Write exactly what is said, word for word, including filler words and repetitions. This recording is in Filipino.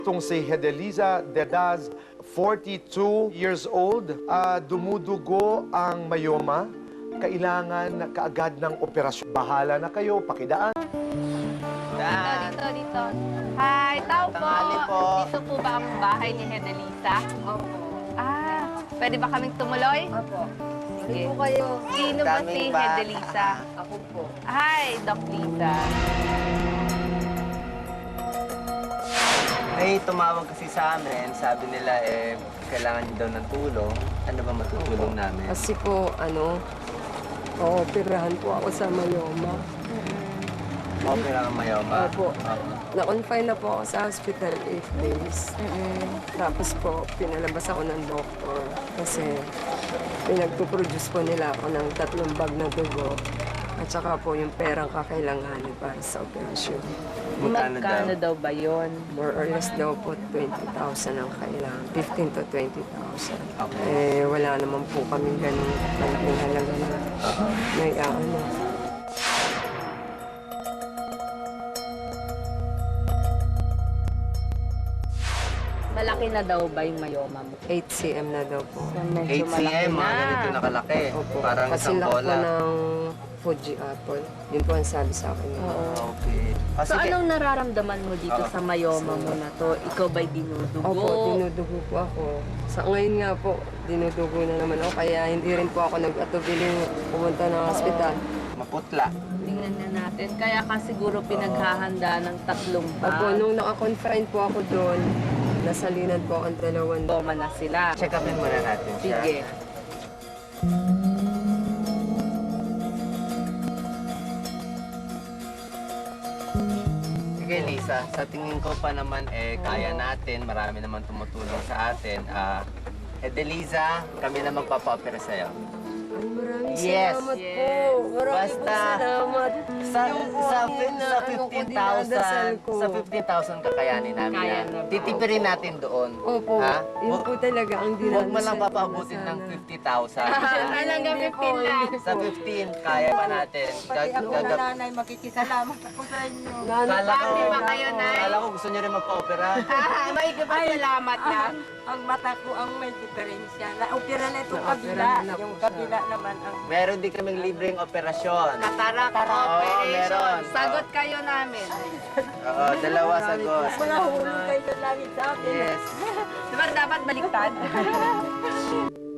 Itong si Hedeliza Dedaz, forty-two years old, ah, dumudugo ang mayoma. Kailangan kaagad ng operasyon. Bahala na kayo, pakidaan. Dito, dito, dito. Hi, tao po. Tanghali po. Dito po ba ang bahay ni Hedeliza? Opo. Ah, pwede ba kaming tumuloy? Opo. Sige. Sino po kayo? Sino ba si Daming bata. Hedeliza? Ako po. Hi, Doc Liza. Ay, tumawag kasi sa amin. Sabi nila, eh, kailangan niyo daw ng tulong. Ano ba matutulong namin? Kasi po, ano, ooperahan po ako sa myoma. Okay lang ang mayoma. Opo. Opo. Na-confine na po ako sa hospital eight days. Tapos po, pinalabas ako ng doktor kasi pinagpuproduce po nila ako ng tatlong bag na dugo at saka po yung perang kakailanganin para sa operasyon. Magkano daw? Magkano daw ba yun? More or less daw po twenty thousand ang kailangan. fifteen to twenty thousand. Okay. Eh, wala naman po kami ganun malaking halaga na may ano. Malaki na daw ba yung mayoma mo? eight centimeters na daw po. Medyo eight malaki cm, mga na. ganito nakalaki. Opo. Parang Kasi isang laki po bola. ng Fuji apple. Yun po ang sabi sa akin. Okay. Ah, So sige. anong nararamdaman mo dito Oo. sa mayoma mo na to? Ikaw ba'y dinudugo? Opo, dinudugo po ako. Sa ngayon nga po, dinudugo na naman ako. Kaya hindi rin po ako nag-atubiling pumunta ng hospital. Maputla. Tingnan na natin. Kaya ka siguro pinaghahanda ng tatlong bag. Opo, nung naka-confine po ako doon, nasalinan po ang dalawang Mayoma na sila. Check upin muna natin siya. Sige. Sige, Lisa. Sa tingin ko pa naman, eh, kaya natin. Marami naman tumutulong sa atin. Ah, Hedeliza, kami na magpapa-opera sa'yo. Ay, maraming Yes. salamat Yes. po. Maraming Basta, po salamat. Sa, Yung po sa, ang fi- ina- sa ano ko, fifteen dinadasal thousand, ko. sa fifteen thousand kakayanin namin Kaya yan. na ba? Titipirin natin doon. Opo, Ha? yun Huwag- po talaga ang dinadasal Huwag mo lang ko papabutin na ng sana. fifty thousand. Hanggang Hindi fifteen po, lang. hindi Sa po. fifteen, kaya pa natin. Pati Gag- ako na gagap- nanay, makikisalamat ako sa inyo. Lalo Kala ko, Happy ba kayo, Nay? kala ko gusto niyo rin magpa-opera. Ah, may salamat lang. Ang mata ko ang may diferensya. Na-opera na itong Na-opera kabila. na po Yung siya. kabila naman ang... Meron din kaming libreng operasyon. Katarak Oo, operation. meron. Sagot kayo namin. Oo, dalawa sagot. Mga hulog kayo sa langit sa akin. Yes. Diba dapat baliktad?